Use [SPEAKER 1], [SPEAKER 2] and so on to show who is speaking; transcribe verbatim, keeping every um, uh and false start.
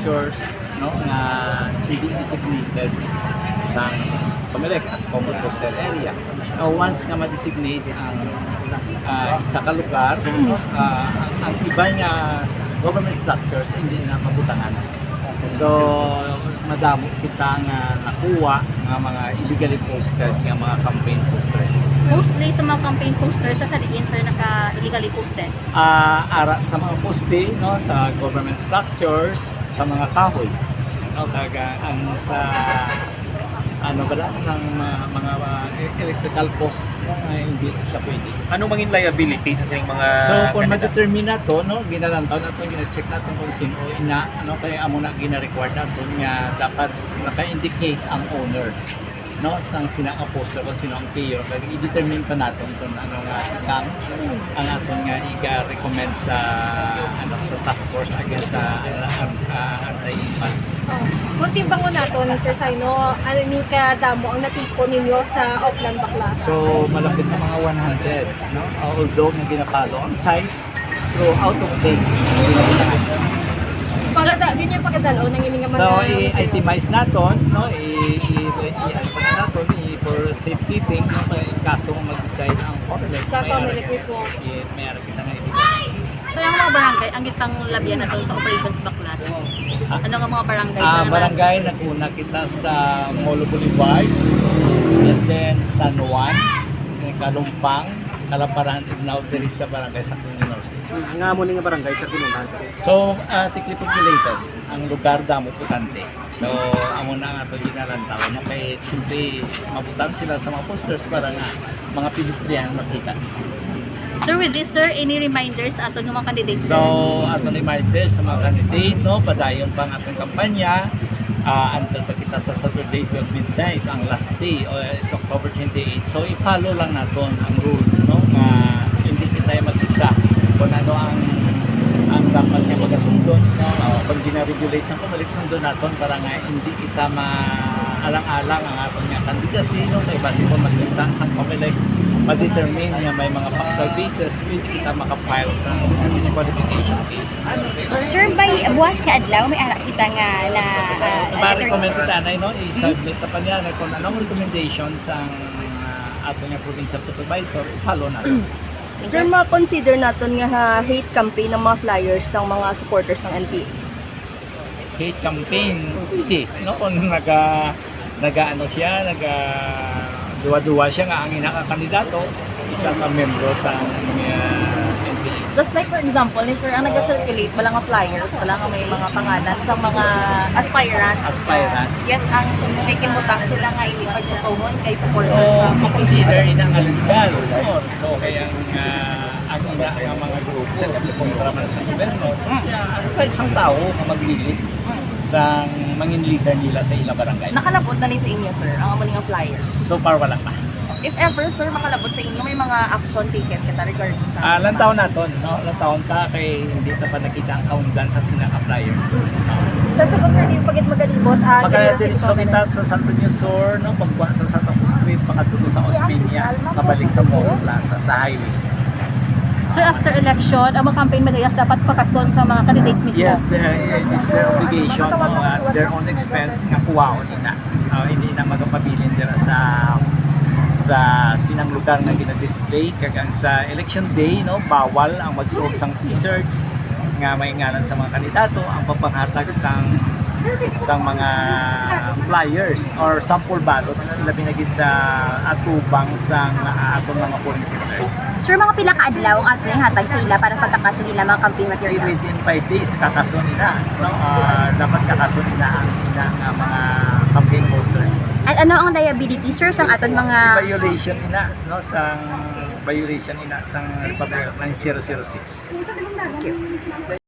[SPEAKER 1] structures no nga hindi designated sa Comelec as common coastal area. Now, once nga ma-designate ang uh, isa ka lugar, uh, ang iba niya government structures hindi na mabutangan. So, madamo kita nga nakuha nga mga illegally posted nga mga campaign posters.
[SPEAKER 2] Mostly sa mga campaign posters sa saliin sir naka-illegally posted.
[SPEAKER 1] Uh, ara sa mga poste no sa government structures, sa mga kahoy. No, kaga ang sa ano ba lang ng mga, mga uh, electrical post no, na hindi siya pwede.
[SPEAKER 3] Ano mangin liability sa sining mga
[SPEAKER 1] So kung
[SPEAKER 3] kandidato?
[SPEAKER 1] ma-determine na to, no, ginalantaw na to, gina-check natin kung sino ina, ano, kaya amo na gina-record na to nga dapat naka-indicate ang owner. No, sang sina ang poster kung sino ang payer, kaya i-determine pa natin kung ano nga kang ang aton nga i-recommend sa ano sa task force against sa ano, uh, anti-infant.
[SPEAKER 4] Kung timbang mo nato ni Sir Saino, ano ni kadamo ang natipon ninyo sa Auckland Baklas?
[SPEAKER 1] So malapit na mga one hundred, no? Uh, although nga ginapalo ang size, so out of place.
[SPEAKER 4] Pagkada, din yung pagkadalo ng ining mga...
[SPEAKER 1] So, i-itemize natin, no? I-ano pa na natin, for safekeeping, no? Kaya kaso kung mag-decide ang Comelec,
[SPEAKER 4] Sa Comelec mismo.
[SPEAKER 1] may ara kita nga evidence.
[SPEAKER 2] So yung mga barangay, ang gitang labyan na to sa Operations Baklas. Ano nga mga barangay?
[SPEAKER 1] Ah,
[SPEAKER 2] na naman?
[SPEAKER 1] barangay, naguna kita sa Molo Boulevard, and then San Juan, Kalumpang, Kalaparan, and now there is sa barangay sa Tunino.
[SPEAKER 3] Nga mo nga barangay sa Pinungan.
[SPEAKER 1] So, uh, thickly populated ang lugar damo putante. So, amo na nga ito ginalantaw. No? Kaya simple mabutan sila sa mga posters para nga mga pedestrian makita.
[SPEAKER 2] Sir, with this sir, any reminders ato ng mga candidates?
[SPEAKER 1] So, ato ni Maribel sa mga candidate, no? Padayon pa ang atong kampanya. Uh, until pa kita sa Saturday twelve midnight, ang last day o is October twenty-eighth. So, i-follow lang natin ang rules, no? Na hindi kita mag-isa kung ano ang ang dapat niya magasundon, no? Uh, pag gina-regulate sa Comelec, sundon natin para nga hindi kita ma-alang-alang ang atong nga candidacy, no? Kaya base kung magpunta sa Comelec, ma-determine nga may mga factual basis, hindi kita makapile sa disqualification case.
[SPEAKER 5] So sir, by buwas ka adlaw may ara kita nga na uh,
[SPEAKER 1] Ma-recommend kita na, no? I-submit na pa niya na kung anong recommendation sa uh, ato nga provincial supervisor, follow natin.
[SPEAKER 4] Sir, ma-consider natin nga ha, hate campaign ng mga flyers ng mga supporters ng N P A.
[SPEAKER 1] Hate campaign, hindi. No? Kung naga, naga ano siya, naga duwa-duwa siya nga ang inakakandidato, isa ka membro sa uh, N P A.
[SPEAKER 4] Just like for example, ni Sir, ang nag-circulate, wala nga flyers, wala nga may mga pangalan sa mga aspirants.
[SPEAKER 1] Aspirants.
[SPEAKER 4] Yes, ang may kimutang sila nga ipagtutuhon kay
[SPEAKER 1] So,
[SPEAKER 4] supporters sa
[SPEAKER 1] ma-consider ina nga legal. No? So, kaya ang uh, ang ina ang mga grupo, kontra man sa gobyerno, so, kaya ano kahit isang tao na maglilid sa mangin leader nila sa ilang barangay.
[SPEAKER 4] Nakalapot na rin sa inyo, sir, ang mga nga flyers.
[SPEAKER 1] So far, wala pa.
[SPEAKER 4] If ever, sir, makalapot sa inyo, may mga action taken kita regarding sa...
[SPEAKER 1] Ah, lang taon naton, no? Lang taon ta kay hindi ta pa nakita ang countdown sa sinang appliers.
[SPEAKER 4] Sa subot, sir, di pagit magalibot, ah,
[SPEAKER 1] Magkadiretso kita sa Santo Niño Sur, no? Pagkuha sa Santa Cruz Street, pakatulo sa Ospinia, kabalik sa Moro Plaza, sa highway.
[SPEAKER 2] Sir, after election, ang mga campaign managers dapat pakason sa mga candidates mismo.
[SPEAKER 1] Yes, the, it is their obligation, no? At their own expense nga kuwaon ina. Uh, hindi na magapabilin dira sa sa sinang lugar na gina-display kagang sa election day, no, bawal ang magsuot sang t-shirts nga may ngalan sa mga kandidato, ang pagpanghatag sang sang mga flyers or sample ballot labi na gid sa atubang sang uh, atong mga polling centers.
[SPEAKER 5] Sir, mga pila ka adlaw ang ato hatag sa ila para pagkakaso nila mga campaign
[SPEAKER 1] Okay,
[SPEAKER 5] materials.
[SPEAKER 1] within five days kakason nila, no, uh, dapat kakason nila ang ina nga mga campaign posters.
[SPEAKER 5] At ano ang liability sir sa aton mga
[SPEAKER 1] Violation ina, no, sang violation ina sang Republic Act nine zero zero six.